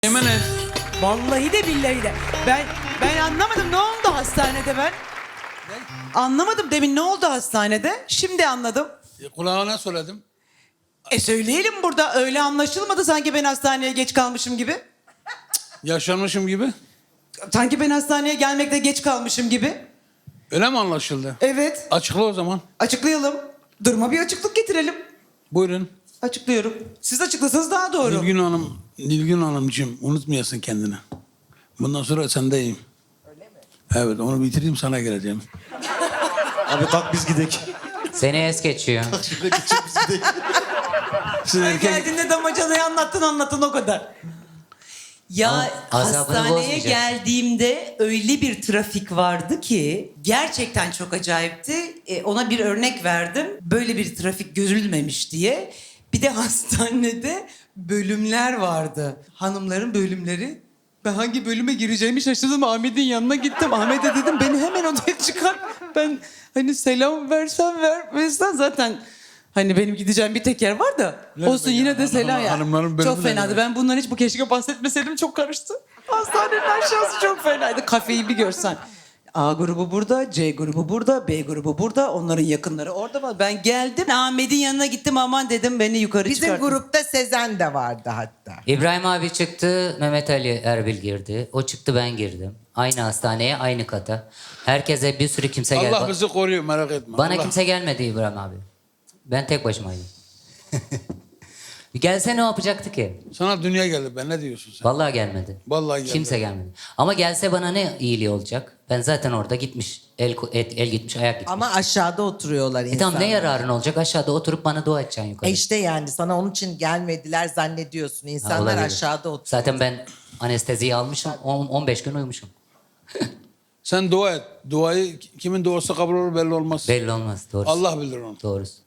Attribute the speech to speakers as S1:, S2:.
S1: Yemin et.
S2: Vallahi de billahi de. Ben anlamadım, ne oldu hastanede ben? Anlamadım demin, ne oldu hastanede? Şimdi anladım.
S1: Kulağına söyledim.
S2: Söyleyelim burada, öyle anlaşılmadı sanki ben hastaneye geç kalmışım gibi.
S1: Yaşanmışım gibi.
S2: Sanki ben hastaneye gelmekte geç kalmışım gibi.
S1: Öyle mi anlaşıldı?
S2: Evet,
S1: Açıkla o zaman.
S2: açıklayalım. Duruma bir açıklık getirelim.
S1: Buyurun.
S2: Açıklıyorum. Siz açıklasanız daha doğru.
S1: Nilgün Hanımcığım unutmayasın kendini. Bundan sonra sendeyim. Öyle mi? Evet, onu bitireyim, sana geleceğim.
S3: Abi kalk biz gidek.
S4: Seni es geçiyor.
S3: Şuraya geçecek biz gidek.
S1: Siz
S2: Sen
S1: erkek...
S2: geldiğinde damacanayı anlattın o kadar. Ya
S4: Ama azabını
S2: hastaneye
S4: bozmayacak.
S2: geldiğimde öyle bir trafik vardı ki gerçekten çok acayipti. Ona bir örnek verdim. Böyle bir trafik görülmemiş diye. Bir de hastanede bölümler vardı. Hanımların bölümleri. Ben hangi bölüme gireceğimi şaşırdım. Ahmet'in yanına gittim. Ahmet'e dedim beni hemen odaya çıkar. Ben hani selam versen vermezsen zaten... Hani benim gideceğim bir tek yer var da.
S1: Ne
S2: Olsun
S1: be
S2: yine
S1: ya,
S2: de selam ya.
S1: hanımların bölümü
S2: Çok
S1: ne
S2: fenaydı.
S1: demek?
S2: Ben bundan hiç bu keşke bahsetmeseydim, çok karıştı. Hastanenin aşağısı çok fenaydı. Kafeyi bir görsen. A grubu burada, C grubu burada, B grubu burada. Onların yakınları orada var. Ben geldim. Ahmet'in yanına gittim, aman dedim beni yukarı
S5: Bizim
S2: çıkartın.
S5: grupta Sezen de vardı hatta.
S4: İbrahim abi çıktı, Mehmet Ali Erbil girdi. O çıktı, ben girdim. Aynı hastaneye, aynı kata. Herkese bir sürü kimse geldi.
S1: Allah bizi koruyor, merak etme.
S4: Bana
S1: Allah...
S4: kimse gelmedi İbrahim abi. Ben tek başımaydım. Gelse ne yapacaktı ki?
S1: Sana dünya geldi, ben ne diyorsun sen?
S4: Vallahi gelmedi.
S1: Vallahi geldi.
S4: Kimse gelmedi. Ama gelse bana ne iyiliği olacak? Ben zaten orada gitmiş. El gitmiş, ayak gitmiş.
S5: Ama aşağıda oturuyorlar insanlar.
S4: Tamam, ne yararın olacak? Aşağıda oturup bana dua edeceksin yukarı.
S5: İşte yani sana onun için gelmediler zannediyorsun.
S4: Ha,
S5: İnsanlar
S4: olabilir.
S5: aşağıda oturuyor.
S4: Zaten ben anesteziyi almışım. 15 gün uyumuşum.
S1: Sen dua et. Duayı kimin duası kabul olur belli olmaz.
S4: Belli olmaz. Doğrusu.
S1: Allah bilir onu.
S4: Doğrusu.